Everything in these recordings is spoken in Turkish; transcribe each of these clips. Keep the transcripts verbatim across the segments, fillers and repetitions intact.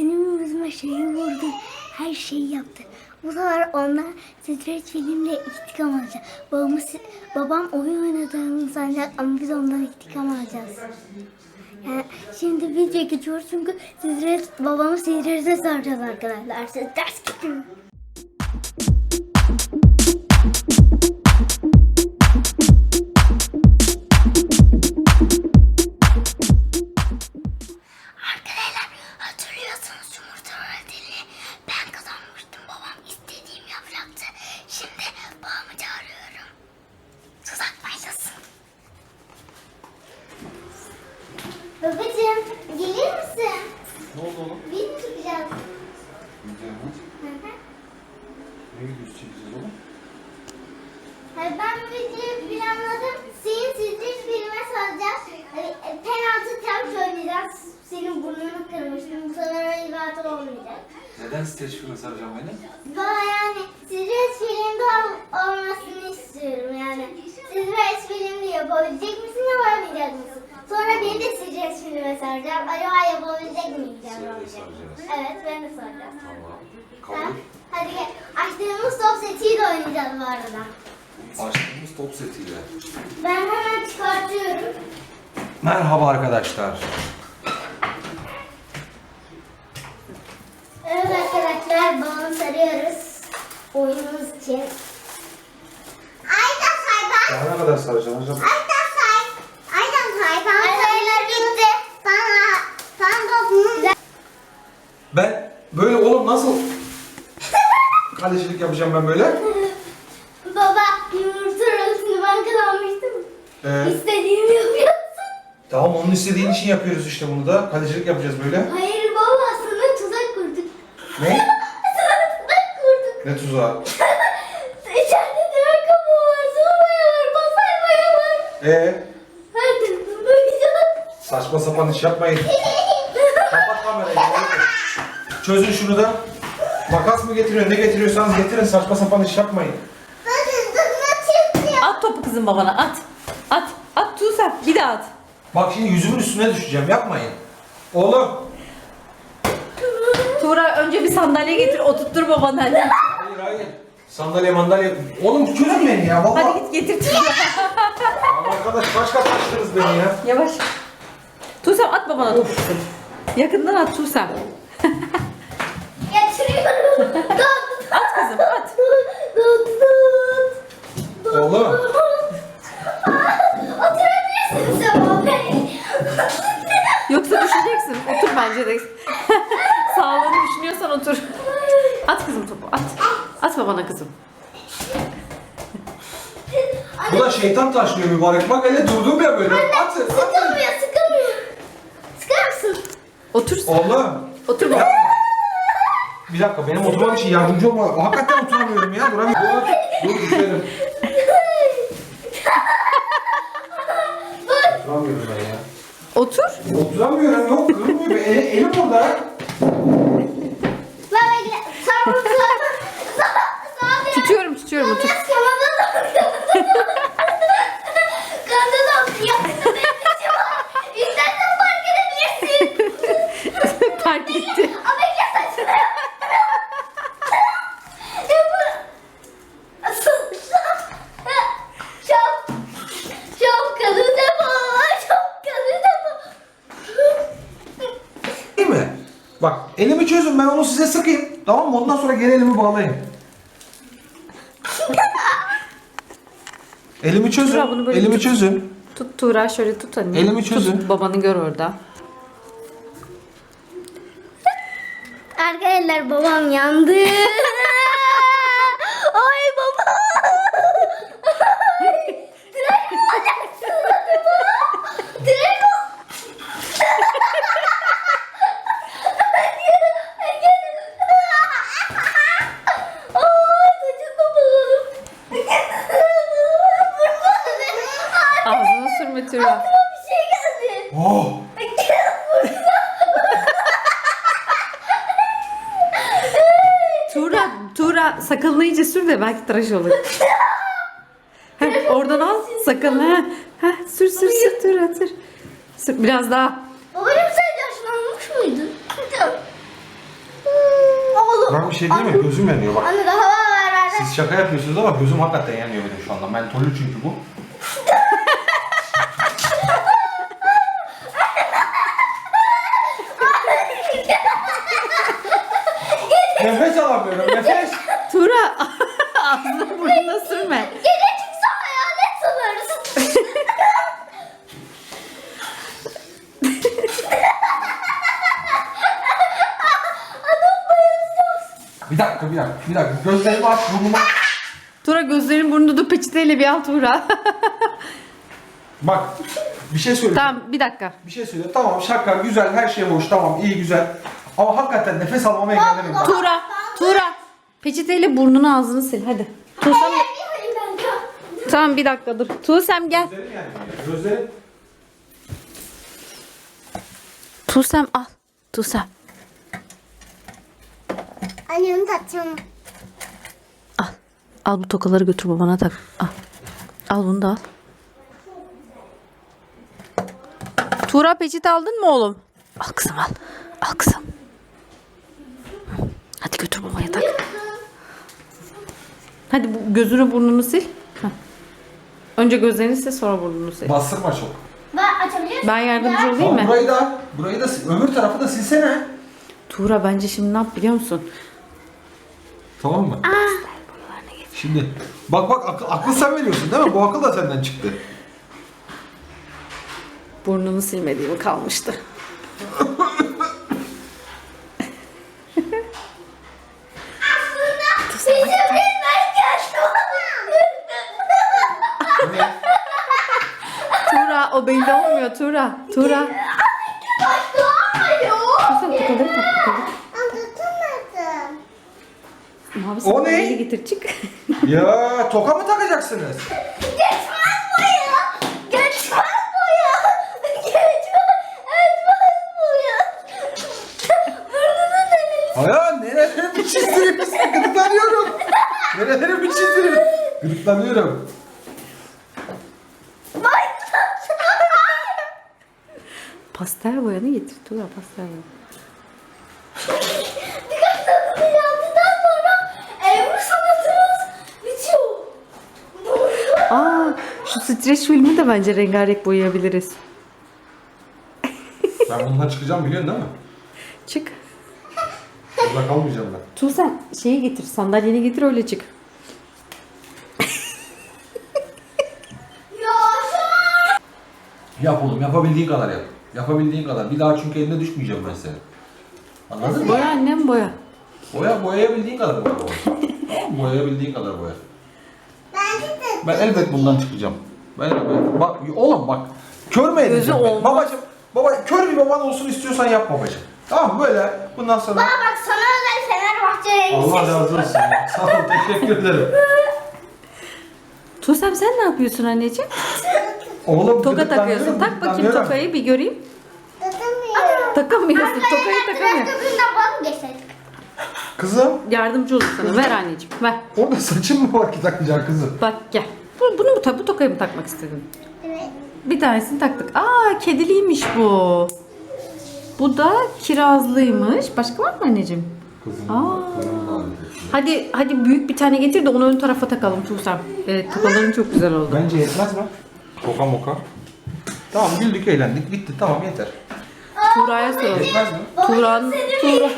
benim yüzüme şeyi vurdu. Her şeyi yaptı. Bu sefer onlar stres filmle intikam alacak. Babamız, babam oyun oynadığını sanacak ama biz ondan intikam alacağız. Yani şimdi video geçiyoruz çünkü stres, babamı strese saracağız arkadaşlar. Siz ders gidin. Arkadaşlar hatırlıyorsanız yumurta öğretini ben kazanmıştım. Babam istediğim yapacaktı. Şimdi babamı çağırıyorum. Tuzak başlasın. Babacığım gelir misin? Ne oldu oğlum? Biz mi çıkacağız? Video mu? Hı hı. Ne videosu çekeceğiz oğlum? Hayır, ben bu videoyu planladım. Senin stres filme saracağız. Hani, e, penaltı tam oynayacağız. Senin burnunu kırmıştım. Bu sefer öyle bir hata olmayacak. Neden stres filmi saracağım beni? Bana yani stres filmde ol- olmasını istiyorum yani. Stres filmde yapabilecek misin, yapamayacak mısın? Sonra beni de stres filme saracağım. Acaba yapabilecek miyim? Seni de saracağız. Evet, ben de saracağım. Tamam. Ha? Kabul. Hadi gel. Açtığımız top setiyle oynayacağız bu arada. Açtığımız top setiyle. Ben hemen çıkartıyorum. Merhaba arkadaşlar. Evet arkadaşlar, balon sarıyoruz. Oyunumuz için. Ayda say ben. Daha ne kadar saracağım hocam? Ayda say. Ayda say. Tamam, sayılar bitti. Sana, sana topunu. Ben böyle oğlum nasıl kalecilik yapacağım ben böyle? Baba, yumurta arasını ben kazanmıştım. Ee, İstediğimi yapıyorsun. tamam onun istediğin için yapıyoruz işte bunu da. Kalecilik yapacağız böyle. Hayır baba, sana tuzak kurduk. Ne? Sana tuzak kurduk. Ne tuzağı? İçeride diğer kapı var, soğumaya var, basarmaya var. Ee, Her tarafım böyle. saçma sapan iş yapmayın. Kapat kamerayı. Çözün şunu da. Makas mı getiriyor, ne getiriyorsanız getirin. Saçma sapan iş yapmayın. At topu kızım babana at. At. At Tuğsel. Bir daha at. Bak şimdi yüzümün üstüne düşeceğim. Yapmayın. Oğlum. Tuğra önce bir sandalye getir oturttur babana. Hadi, Hayır hayır. Sandalye mandalye. Oğlum çözün beni ya. Vallahi. hadi git getir Tuğra. Aman arkadaş başka taştınız beni ya. Yavaş. Tuğsel at babana topu kızım. Yakından at Tuğsel. Getiriyorum. At kızım at. Oğlum. Oturabilirsin sen baba. Yoksa düşeceksin. Otur bence de. Sağlığını düşünüyorsan otur. At kızım topu at. At babana kızım. Bu da şeytan taşlıyor mübarek. Bak hele durdum ya böyle. Atın atın. Sıkılmıyor, sıkılmıyor. Sıkar mısın? Otur. Oğlum. Otur baba. Bir dakika benim oturmam için yardımcı olma. Hakikaten oturamıyorum ya. Duramıyorum. Dur, dur düşerim. Oturamıyorum ben ya. Otur. Oturamıyorum yok kırılmıyor. El, elim burada. Ben bekle. Sağ ol, sağ ol. Sağ ol. Tutuyorum tutuyorum otur. Biraz kanadı da. Kanadı da. Yaptım benim için var. İstersen fark edebilirsin. Fark etti. Ama bekle saçını. Yapın. Çok. Çok kanı depo. Çok kanı depo. Değil mi? Bak elimi çözün ben onu size sıkayım. Tamam mı? Ondan sonra geri elimi bağlayın. Elimi çözün. Tuğra, bunu böyle Elimi tut. çözün. Tut Tuğra şöyle tut anne. Elimi çözün. Tut babanı gör orada. Arkadaşlar babam yandı. Ay baba. Tren mi olacaksın baba? Tren mi? Ay saçını buladım. Ağzına sürme Tuğra. Bir şey geldi. Oh. Tuğra, Tuğra sakalını iyice sür de belki tıraş olur. Heh, oradan al sakalını. Heh, heh, sür sür sür Tuğra sür. Sür biraz daha. Babacım sen yaşlanmış mıydın? Bak bir şey değil mi? Gözüm yanıyor bak. Anne daha var ver ver. Siz şaka yapıyorsunuz ama gözüm hakikaten yanıyor benim şu anda. Mentolü çünkü bu. Nefes alamıyorum, nefes. Tuğra ağzına burnuna sürme. Gece çıksa hayalet sanırız. Bir dakika, bir dakika, bir dakika. Gözlerimi aç, burnumu aç. Tuğra gözlerin burnunda dur, peçeteyle bir al Tuğra. Bak, bir şey söyle. Tamam bir dakika. Bir şey söyle. Tamam, şaka, güzel, her şey hoş, tamam, iyi, güzel. Ama hakikaten nefes almama engellemeyin. Tuğra, Tuğra. Peçeteyle burnunu ağzını sil hadi. Tuğsem Tamam bir dakika dur. Tuğsem gel. Gözlerim yani. Gözlerim. Tuğsem al. Tuğsem. Anne onu takacağım. Al. Al bu tokaları götür babana tak. Al. Al bunu da al. Tuğra peçete aldın mı oğlum? Al kızım al. Al kızım. Hadi götür babaya tak. Hadi bu gözünü burnunu sil. Heh. Önce gözlerini sil sonra burnunu sil. Bastırma çok. Ben açabilir miyim? Ben yardımcı olayım Tamam, mı? burayı da, burayı da, sil- öbür tarafı da silsene. Tuğra bence şimdi ne yap biliyor musun? Tamam mı? Şimdi, bak bak akıl, akıl sen veriyorsun değil mi? Bu akıl da senden çıktı. Burnunu silmediğimi kalmıştı. Bizim ben yaşlı. Ne? Tuğra o belli olmuyor Tuğra. Tuğra. Başka olmuyor. Sen tokaları tak tokaları. Anlatamadım. Mavi O ne? sandalyeyi getir çık. Ya toka mı takacaksınız? Geçmez boya. Geçmez boya. Geçmez. Geçmez boya. Burnunu denedim. Aya nerelerimi çizdirip gıdıklanıyorum. Nerelerimi çizdirip gıdıklanıyorum. Pastel boyanı getir Tuğra pastel boyanı. Birkaç tadını yaptıktan sonra Ebru sanatımız bitiyor. Aa şu streç filmi de bence rengarenk boyayabiliriz. Ben bundan çıkacağım biliyorsun değil mi? Çık. Burada kalmayacağım ben. Tuğ sen şeyi getir sandalyeni getir öyle çık. Yap oğlum yapabildiğin kadar yap. Yapabildiğin kadar. Bir daha çünkü eline düşmeyeceğim ben senin. Anladın mı? Boya annem boya. Boya boyayabildiğin kadar boya. Tamam mı? Boyayabildiğin kadar boya. Ben elbet bundan çıkacağım. Ben elbet. Bak oğlum bak. Kör mü edeceğim? Gözü ben? olmaz. Babacım, baba kör bir baban olsun istiyorsan yap babacım. Tamam mı? Böyle bundan sonra. Bana bak sana özel Fenerbahçe rengi Allah razı olsun. Sağ ol, teşekkür ederim. Tuğsem sen ne yapıyorsun anneciğim? Oğlum Toka gıdıklanıyorum, takıyorsun. Tak bakayım gıdıklanıyorum. tokayı bir göreyim. Takamıyorum. Takamıyorsun. Tokayı takamıyor. Gökyüzünden vazgeçelim. Kızım Yardımcı olur sana. Ver anneciğim ver. orada saçın mı var ki takacaksın kızım? Bak gel. Bu, bunu mu ta- bu tokayı mı takmak istedin? Evet. Bir tanesini taktık. Aa kediliymiş bu. Bu da kirazlıymış. Başka var mı anneciğim? Kızım. Aa. kızım Hadi hadi büyük bir tane getir de onu ön tarafa takalım Tuğsem. Evet tokaların çok güzel oldu. Bence yetmez mi? Toka moka. Tamam güldük eğlendik bitti tamam yeter. Tuğra'ya soralım. Yetmez mi? Tuğra'nın Tuğra.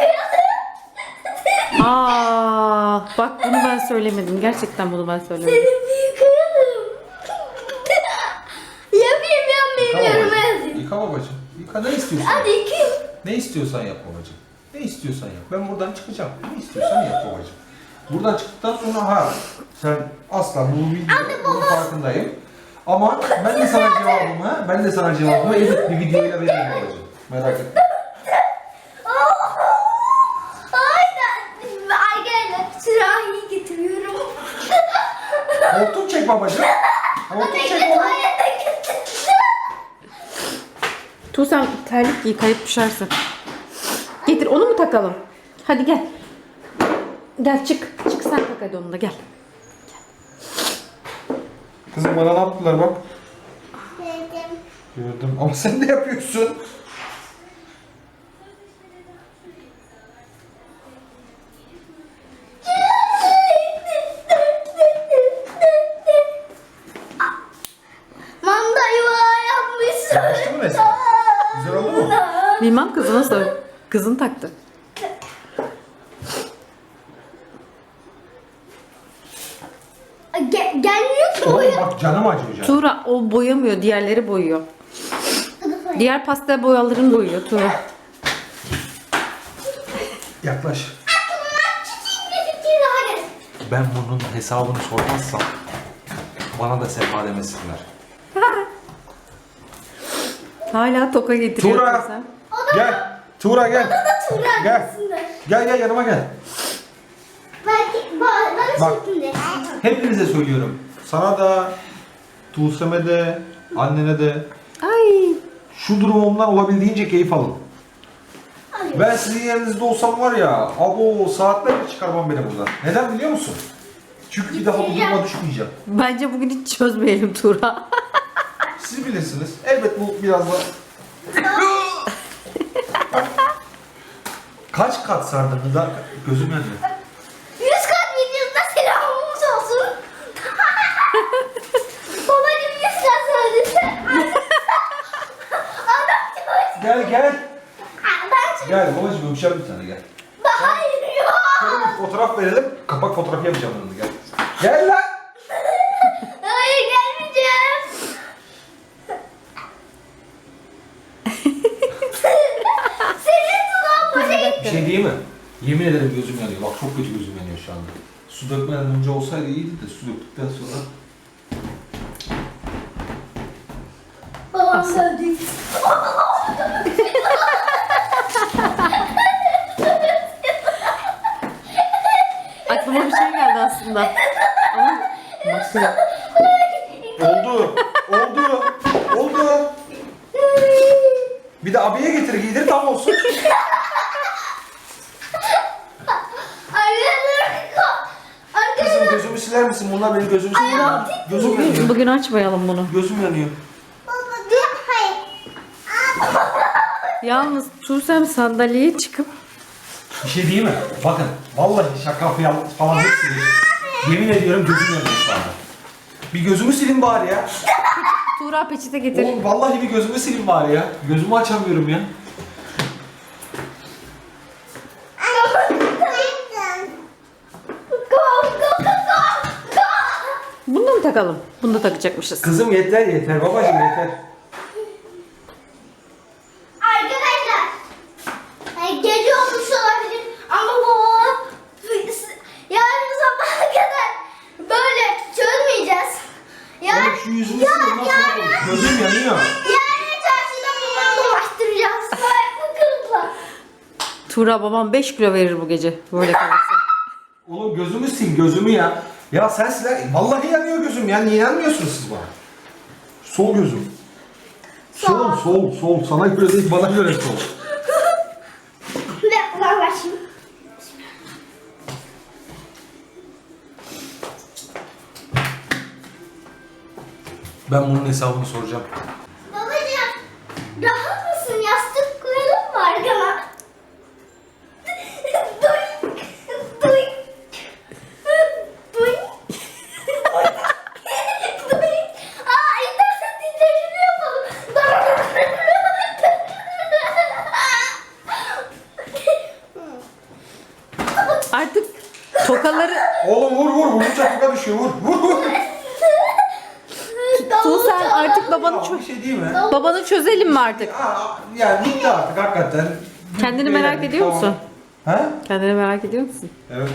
Aa, bak bunu ben söylemedim. Gerçekten bunu ben söylemedim. Bir yıkayalım. Yapayım ben benim Yıka yoruma babacığım. yazayım. Yıka babacığım. Yıka ne istiyorsan. Hadi yıkayayım. Ne istiyorsan yap babacığım. Ne istiyorsan yap. Ben buradan çıkacağım. Ne istiyorsan yap babacığım. Buradan çıktıktan sonra ha sen asla bu video bunun farkındayım. Ama ben de sana cevabımı, ben de sana cevabımı edit bir videoyla veririm babacığım. Merak etme. Aynen. Ay gel. Sürahiyi getiriyorum. Hortum çek babacığım. Hortum çek Bekle oğlum. tuvalete getir. Tuğsem terlik giy kayıp düşersin. Getir onu mu takalım? Hadi gel. Gel çık. Çık sen tak hadi onu da gel. Kızım bana ne yaptılar bak. Dedim. Gördüm ama sen de yapıyorsun. Bilmem kızına sor. Kızın taktı. Ge- gelmiyor ki Oğlum boya. bak canım acıyor canım. Tuğra o boyamıyor, diğerleri boyuyor. Diğer pastel boyalarını boyuyor Tuğra. Yaklaş. Çiçeğin bir fikri daha geldi. Ben bunun hesabını sormazsam bana da sefa demesinler. Hala toka getiriyor. Tuğra sen. gel. Tuğra gel. Tuğra Gel. arasında. Gel gel yanıma gel. Belki ba- bana Bak. şeklinde. Hepinize söylüyorum. Sana da, Tuğsem'e de, annene de Ay. şu durumumdan olabildiğince keyif alın. Alıyorum. Ben sizin yerinizde olsam var ya, abo saatlerce çıkarmam beni buradan. Neden biliyor musun? Çünkü bir daha bu duruma düşmeyeceğim. Bence bugün hiç çözmeyelim Tuğra. Siz bilirsiniz. Elbet bu biraz da... Kaç kat sardın Hıdar? Gözüm yanıyor. Yüz kat videosunda selamımız olsun. Babacım yüz kat söyledi. Adam çok... Gel gel. Ben çok... Gel babacığım öpeceğim bir tane gel. Hayır yok. Şöyle bir fotoğraf verelim. Kapak fotoğrafı yapacağım onu gel. Gel lan. Hayır gelmeyeceğim. Senin sudan bana Bir şey diyeyim mi? Yemin ederim gözüm yanıyor. Bak çok kötü gözüm yanıyor şu anda. Su dökmeden önce olsaydı iyiydi de su döktükten sonra... babam söyledi. Aklıma bir şey geldi aslında. Ama başka. Oldu. Oldu. Oldu. Bir de abiye getir giydir tam olsun. Kızım gözümü siler misin? Bunlar benim gözümü siliyor. Gözüm yanıyor. Bugün açmayalım bunu. Gözüm yanıyor. Yalnız Tuğsem sandalyeye çıkıp Bir şey diyeyim mi? Bakın vallahi şaka falan falan yok değil. Yemin ediyorum gözüm yanıyor şu anda. Bir gözümü silin bari ya. Tuğra peçete getir. Oğlum vallahi bir gözümü silin bari ya. Gözümü açamıyorum ya. Bunu da mı takalım? Bunu da takacakmışız. Kızım yeter yeter babacığım yeter. Arkadaşlar, e, gece olmuş olabilir ama babam yarın sabaha kadar böyle çözmeyeceğiz. Yarın, Oğlum şu yüzümü silin ondan sonra konuş. Gözüm yanıyor. yarın çarşıda babamı dolaştıracağız. Bu kızla. Tuğra babam beş kilo verir bu gece böyle kalırsa. Oğlum gözümü sil gözümü ya. Ya sen siler. Vallahi yanıyor gözüm ya. Niye yanmıyorsunuz siz bana? Sol gözüm. Sol sol sol. Sana göre değil bana göre sol. Ve uzaklaşayım. Ben bunun hesabını soracağım. Babacığım, rahat mısın? Yastık koyalım mı arkana? Duy, duy, duy. Duy. Aa, istersen titreşimi yapalım. Artık tokaları Oğlum vur vur. Vurunca toka düşüyor. Vur vur vur. Tuğsem artık babanı Ya, çö- bir şey değil mi? babanı çözelim mi artık? Aa, yani bitti artık hakikaten. Kendini merak Beğendik, ediyor tamam. musun? Ha? Kendini merak ediyor musun? Evet.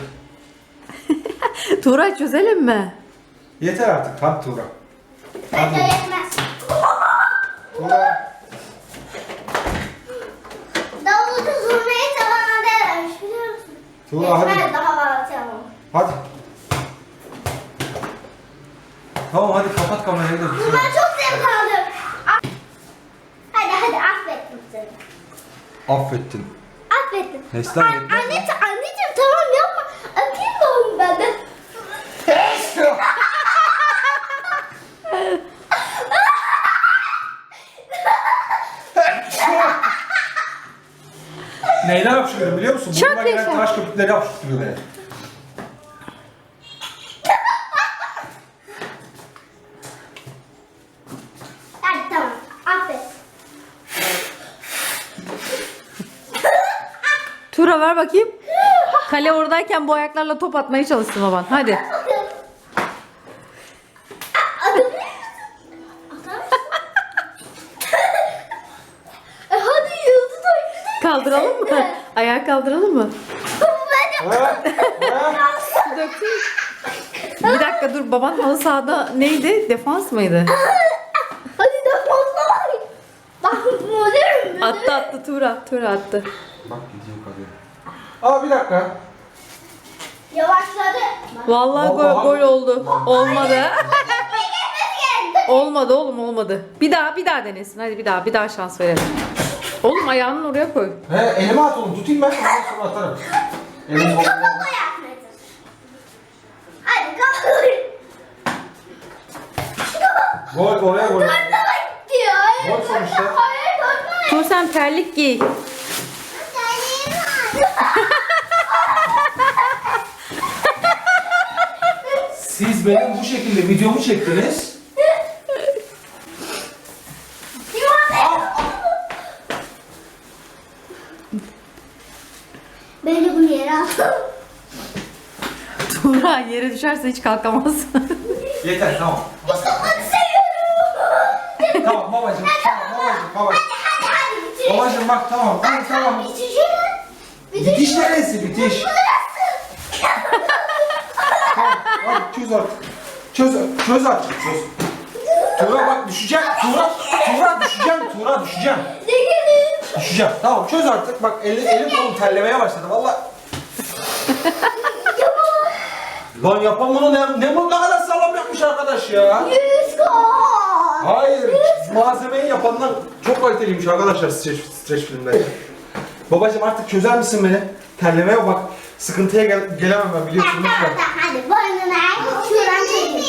Tuğra çözelim mi? Yeter artık. Hadi Tuğra. Bence yetmez. Tuğra. Davulcu zurnayı çalana değermiş biliyor musun? Tuğra hadi. Yetmez, daha var çalalım. Hadi. Tamam hadi kapat kamerayı da. Ben çok zevk aldım. Hadi hadi affettim seni. Affettin. Affettim. Neslihan An- yetmez anne, anneciğim tamam yapma. Öpeyim de onu benden. Neyden hapşırıyorum biliyor musun? Çok Burnuma gelen yaşa. tıraş köpükleri hapşırtıyor beni. Hadi tamam affet. Tuğra ver bakayım. Kale oradayken bu ayaklarla top atmaya çalışsın baban. Hadi. E hadi yıldız oyunu. Kaldıralım mı? Ayağı kaldıralım mı? Ha? Ha? Su döktün. Bir dakika dur, baban halı sahada neydi? Defans mıydı? Hadi de fazla var. Bak modern mi? Attı attı Tuğra. Tuğra attı. Bak gidiyor kalıyor. Aa bir dakika. Yavaşladı. Vallahi gol, Vallahi- gol oldu. Olmadı. Olmadı oğlum, olmadı. Bir daha bir daha denesin. Hadi bir daha bir daha şans verelim. Oğlum ayağını oraya koy. He elime at oğlum tutayım ben ondan sonra atarım. Elim Hadi kafa yapmadın. Hadi kafa. Gol oraya gol. Dönme gitti ya. Gol sonuçta. Hayır dönme. Tuğ sen terlik giy. Siz benim bu şekilde videomu çektiniz. Ben de bunu yere aldım. Tuğra yere düşerse hiç kalkamaz. Yeter tamam. Onu seviyorum. Tamam babacığım. Tamam babacığım babacığım. Hadi hadi bitir. Babacığım bak tamam. Hadi tamam. Bitişin. Bitiş neresi bitiş? Tamam hadi çöz artık. Çöz, çöz artık çöz. Tuğra bak düşeceğim. Tuğra, Tuğra düşeceğim. Tuğra düşeceğim. Düşeceğim. Tamam çöz artık. Bak elim, elim kolum terlemeye başladı valla. Lan yapan bunu ne, ne, ne kadar sağlam yapmış arkadaş ya. Yüz gol. Hayır. Malzemeyi yapanlar çok kaliteliymiş arkadaşlar streç, streç filmleri. Babacım artık çözer misin beni? Terlemeye bak. Sıkıntıya gel gelemem ben biliyorsun Tamam lütfen. tamam hadi boynuna şuradan çekeyim.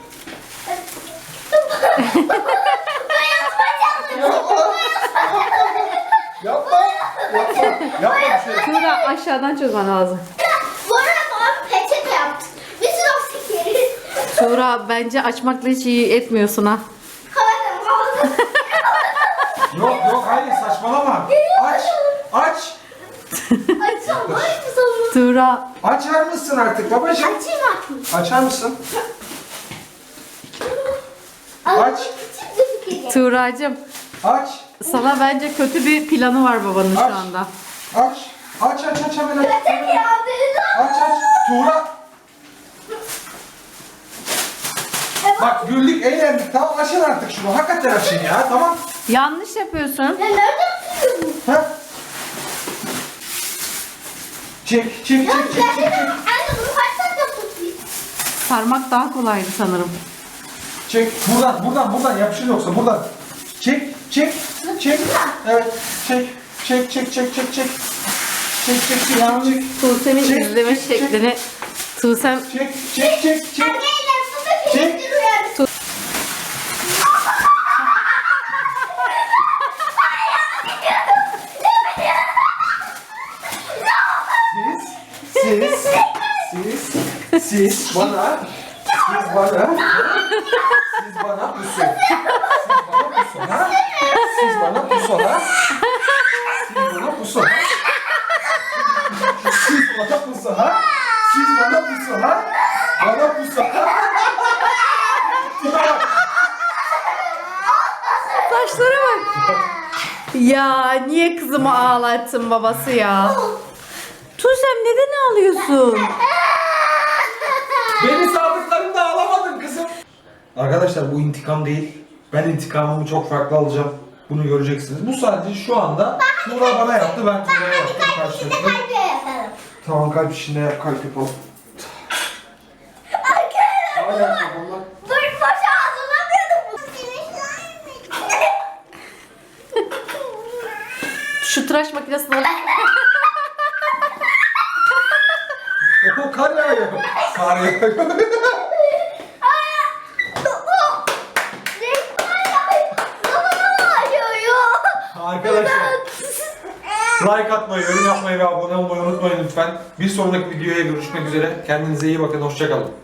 Yapma. Yapma. Yapma bir şey. Tuğra aşağıdan çözmen lazım. Bu arada babam peçete yaptı. Bir sürü o sikeri. Tuğra bence açmakla hiç iyi etmiyorsun ha. Havada havada. Yok yok hayır saçmalama. Aç. Aç. Açsam var mı sonra? Tuğra Açar mısın artık babacım? Açayım artık. Açar mısın? Ama Aç. küçük bir fikir. Tuğracığım Aç. sana bence kötü bir planı var babanın Aç. şu anda. Aç. Aç aç aç hemen aç. Peçete yaptı. Aç aç. Tuğra. Bak güldük eğlendik tamam açın artık şunu. Hakikaten açın ya tamam. Yanlış yapıyorsun. Ya nereden tutuyorsun? Ha? Çek çek Ya çek çek çek. çek. anne bunu kaç dakika tutayım? Sarmak daha kolaydı sanırım. Çek buradan buradan buradan yapışır yoksa buradan. Çek çek çek. Evet çek çek çek çek çek çek. Çek çek çek Yalnız çek. Tuğsem'in Çek, izleme çek, çek. şeklini Tuğsem Çek çek çek çek. Anneyle su ve Çek. peynir uyarı. Siz siz siz siz bana siz bana siz bana pusu. Siz bana pusu ha? Siz bana pusu ha? Siz bana pusu ha? Siz bana pusu ha? Siz bana pusu ha? Bana pusu ha? saçlara bak. Ya niye kızımı ağlattın babası ya? Tuğsem neden ağlıyorsun? Beni sabıklarımda alamadın kızım. Arkadaşlar bu intikam değil. Ben intikamımı çok farklı alacağım. Bunu göreceksiniz. Bu sadece şu anda Tuğra bana yaptı, ben Tuğra'ya yaptım karşılıklı. Kalbe yapalım. Tamam kalp işinde yap, kalp yapalım. Hala yapalım. Dur boşa hazırlamıyordum. Şu tıraş makinesini al. O kar yağıyor. Kar yağıyor. Arkadaşlar like atmayı, yorum yapmayı ve abone olmayı unutmayın lütfen. Bir sonraki videoya görüşmek üzere. Kendinize iyi bakın. Hoşça kalın.